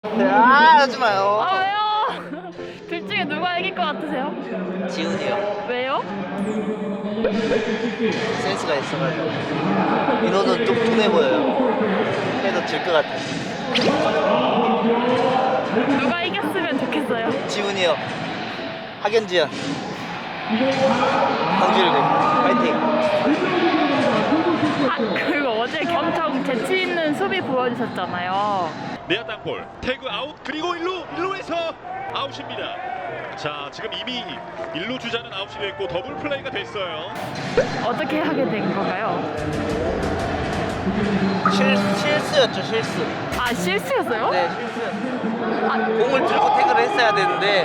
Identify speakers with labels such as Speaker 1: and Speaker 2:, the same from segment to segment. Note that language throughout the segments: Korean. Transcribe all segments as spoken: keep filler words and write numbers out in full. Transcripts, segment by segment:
Speaker 1: 아, 하지 마요.
Speaker 2: 아 왜요? 둘 중에 누가 이길 것 같으세요?
Speaker 1: 지훈이요.
Speaker 2: 왜요?
Speaker 1: 센스가 있어가지고. 민호는 좀 둔해 보여요. 해도 질 것 같아.
Speaker 2: 누가 이겼으면 좋겠어요?
Speaker 1: 지훈이요. 학연지연. 황질구. 파이팅.
Speaker 2: 아 그리고 어제 엄청 재치 있는 수비 보여주셨잖아요.
Speaker 3: 내야 땅볼 태그 아웃 그리고 일루 일루에서 아웃입니다. 자 지금 이미 일루 주자는 아웃이 됐고 더블 플레이가 됐어요.
Speaker 2: 어떻게 하게 된 건가요?
Speaker 1: 실, 실수였죠, 실수.
Speaker 2: 아 실수였어요?
Speaker 1: 네, 실수였어요. 아, 공을 들고 태그를 했어야 되는데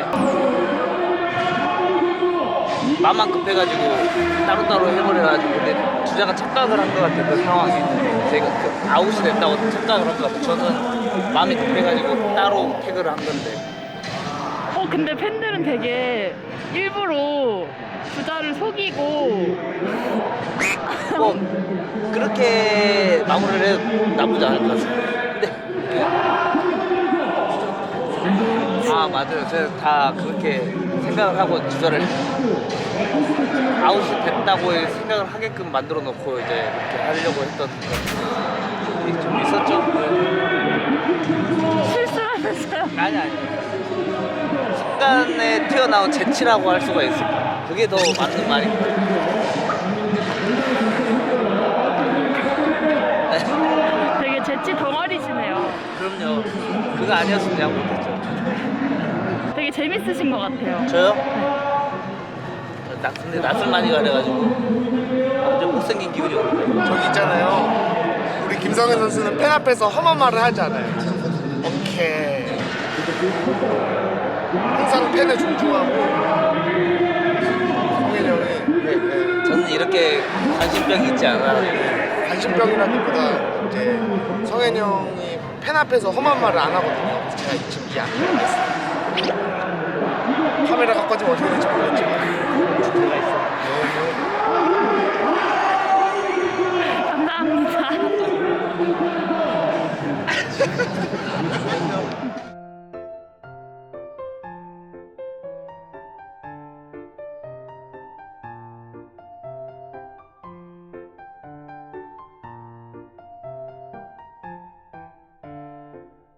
Speaker 1: 마음만 급해가지고 따로따로 해버려가지고 근데 주자가 착각을 한 것 같아요, 그 상황에. 제가 그 아웃이 됐다고 착각을 한 것 같아요. 저는 마음이 급해가지고 따로 태그를 한 건데.
Speaker 2: 어 근데 팬들은 되게 일부러 주자를 속이고
Speaker 1: 뭐 그렇게 마무리를 해도 나쁘지 않을 것 같습니다. 근데 그- 아 맞아요. 제가 다 그렇게 생각을 하고 주저를 아웃이 됐다고 생각을 하게끔 만들어 놓고 이제 그렇게 하려고 했던 그런 좀 있었죠.
Speaker 2: 실수하면서요.
Speaker 1: 아니 아니. 순간에 튀어나온 재치라고 할 수가 있을까. 그게 더 맞는 말입니다.
Speaker 2: 되게 재치 덩어리시네요.
Speaker 1: 그럼요. 그거 아니었으면 야구 못했죠.
Speaker 2: 되게 재밌으신 것 같아요.
Speaker 1: 저요? 나 근데 낯을 많이 가려가지고 완전 못생긴 기분이 오는데.
Speaker 4: 저기 있잖아요. 우리 김성현 선수는 팬 앞에서 험한 말을 하지 않아요. 오케이. 항상 팬을 존중하고 성현이 형이 네, 네.
Speaker 1: 저는 이렇게 관심병이 있지 않아요.
Speaker 4: 관심병이라기보다 이제 성현이 형이 팬 앞에서 험한 말을 안 하거든요. 그래서 제가 지금 이 앞에 와 있어요. 카메라 갖고 지면 어떻게 될지 모르겠지만
Speaker 1: 제가 있어요.